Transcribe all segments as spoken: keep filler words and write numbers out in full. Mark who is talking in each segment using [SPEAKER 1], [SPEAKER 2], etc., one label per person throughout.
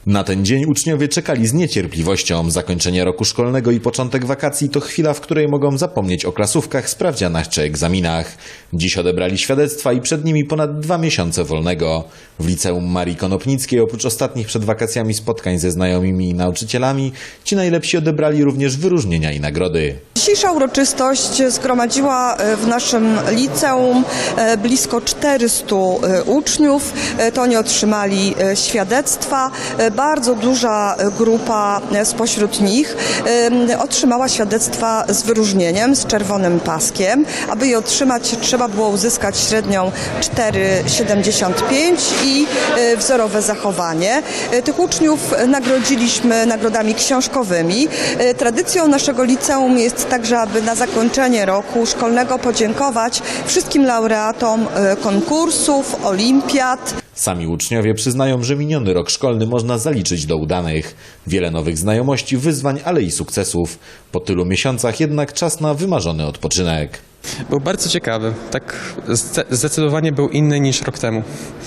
[SPEAKER 1] Na ten dzień uczniowie czekali z niecierpliwością. Zakończenie roku szkolnego i początek wakacji to chwila, w której mogą zapomnieć o klasówkach, sprawdzianach czy egzaminach. Dziś odebrali świadectwa i przed nimi ponad dwa miesiące wolnego. W liceum Marii Konopnickiej oprócz ostatnich przed wakacjami spotkań ze znajomymi i nauczycielami, ci najlepsi odebrali również wyróżnienia i nagrody.
[SPEAKER 2] Dzisiejsza uroczystość zgromadziła w naszym liceum blisko czterystu uczniów. To oni otrzymali świadectwa. Bardzo duża grupa spośród nich otrzymała świadectwa z wyróżnieniem, z czerwonym paskiem. Aby je otrzymać, trzeba było uzyskać średnią cztery przecinek siedemdziesiąt pięć i wzorowe zachowanie. Tych uczniów nagrodziliśmy nagrodami książkowymi. Tradycją naszego liceum jest także, aby na zakończenie roku szkolnego podziękować wszystkim laureatom konkursów, olimpiad.
[SPEAKER 1] Sami uczniowie przyznają, że miniony rok szkolny można zaliczyć do udanych. Wiele nowych znajomości, wyzwań, ale i sukcesów. Po tylu miesiącach jednak czas na wymarzony odpoczynek.
[SPEAKER 3] Był bardzo ciekawy. Tak zdecydowanie był inny niż rok temu.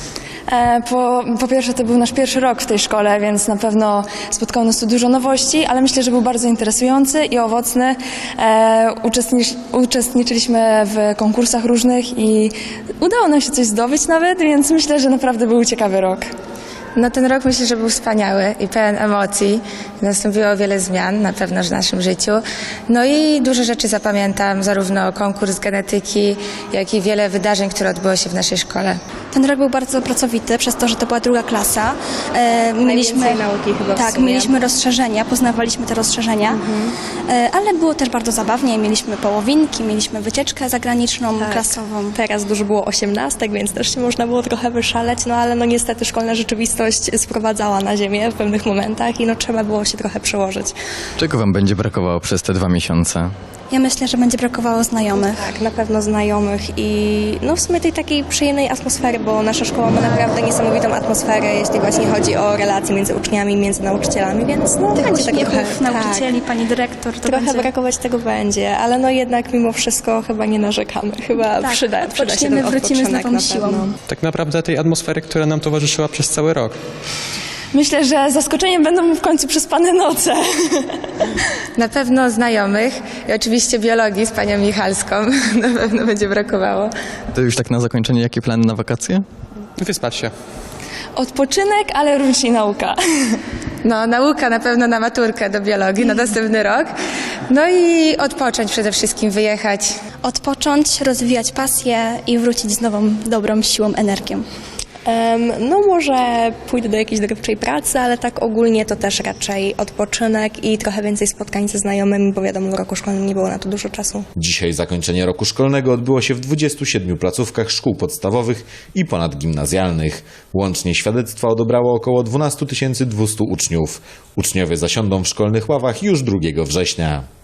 [SPEAKER 4] Po, po pierwsze, to był nasz pierwszy rok w tej szkole, więc na pewno spotkało nas tu dużo nowości, ale myślę, że był bardzo interesujący i owocny. E, uczestnicz, uczestniczyliśmy w konkursach różnych i udało nam się coś zdobyć nawet, więc myślę, że naprawdę był ciekawy rok.
[SPEAKER 5] No ten rok myślę, że był wspaniały i pełen emocji. Nastąpiło wiele zmian na pewno w naszym życiu. No i dużo rzeczy zapamiętam, zarówno konkurs genetyki, jak i wiele wydarzeń, które odbyło się w naszej szkole.
[SPEAKER 6] Ten rok był bardzo pracowity, przez to, że to była druga klasa. E, mieliśmy
[SPEAKER 7] nauki chyba
[SPEAKER 6] Tak, mieliśmy rozszerzenia, poznawaliśmy te rozszerzenia, mhm. e, ale było też bardzo zabawnie. Mieliśmy połowinki, mieliśmy wycieczkę zagraniczną, tak. klasową.
[SPEAKER 7] Teraz dużo było osiemnastek, więc też się można było trochę wyszaleć, no ale no niestety szkolna rzeczywistość sprowadzała na ziemię w pewnych momentach i no trzeba było się trochę przełożyć.
[SPEAKER 8] Czego wam będzie brakowało przez te dwa miesiące?
[SPEAKER 6] Ja myślę, że będzie brakowało znajomych.
[SPEAKER 7] Tak, na pewno znajomych i no w sumie tej takiej przyjemnej atmosfery, bo nasza szkoła ma naprawdę niesamowitą atmosferę, jeśli właśnie chodzi o relacje między uczniami, między nauczycielami, więc no
[SPEAKER 6] Tych
[SPEAKER 7] będzie tak trochę...
[SPEAKER 6] nauczycieli,
[SPEAKER 7] tak,
[SPEAKER 6] pani dyrektor, to
[SPEAKER 7] trochę
[SPEAKER 6] będzie...
[SPEAKER 7] brakować tego będzie, ale no jednak mimo wszystko chyba nie narzekamy. Chyba
[SPEAKER 6] tak,
[SPEAKER 7] przyda, przyda się ten
[SPEAKER 6] wrócimy z nową
[SPEAKER 7] na
[SPEAKER 6] siłą.
[SPEAKER 7] pewno.
[SPEAKER 3] Tak naprawdę tej atmosfery, która nam towarzyszyła przez cały rok.
[SPEAKER 4] Myślę, że zaskoczeniem będą w końcu przespane noce.
[SPEAKER 5] Na pewno znajomych i oczywiście biologii z panią Michalską na pewno będzie brakowało.
[SPEAKER 8] To już tak na zakończenie, jakie plany na wakacje?
[SPEAKER 3] Wyspać się.
[SPEAKER 4] Odpoczynek, ale również i nauka.
[SPEAKER 5] No, nauka na pewno na maturkę do biologii na następny rok. No i odpocząć przede wszystkim, wyjechać.
[SPEAKER 6] Odpocząć, rozwijać pasję i wrócić z nową, dobrą siłą, energią.
[SPEAKER 7] Um, no może pójdę do jakiejś dorywczej pracy, ale tak ogólnie to też raczej odpoczynek i trochę więcej spotkań ze znajomymi, bo wiadomo, w roku szkolnym nie było na to dużo czasu.
[SPEAKER 1] Dzisiaj zakończenie roku szkolnego odbyło się w dwudziestu siedmiu placówkach szkół podstawowych i ponadgimnazjalnych. Łącznie świadectwa odebrało około dwanaście tysięcy dwieście uczniów. Uczniowie zasiądą w szkolnych ławach już drugiego września.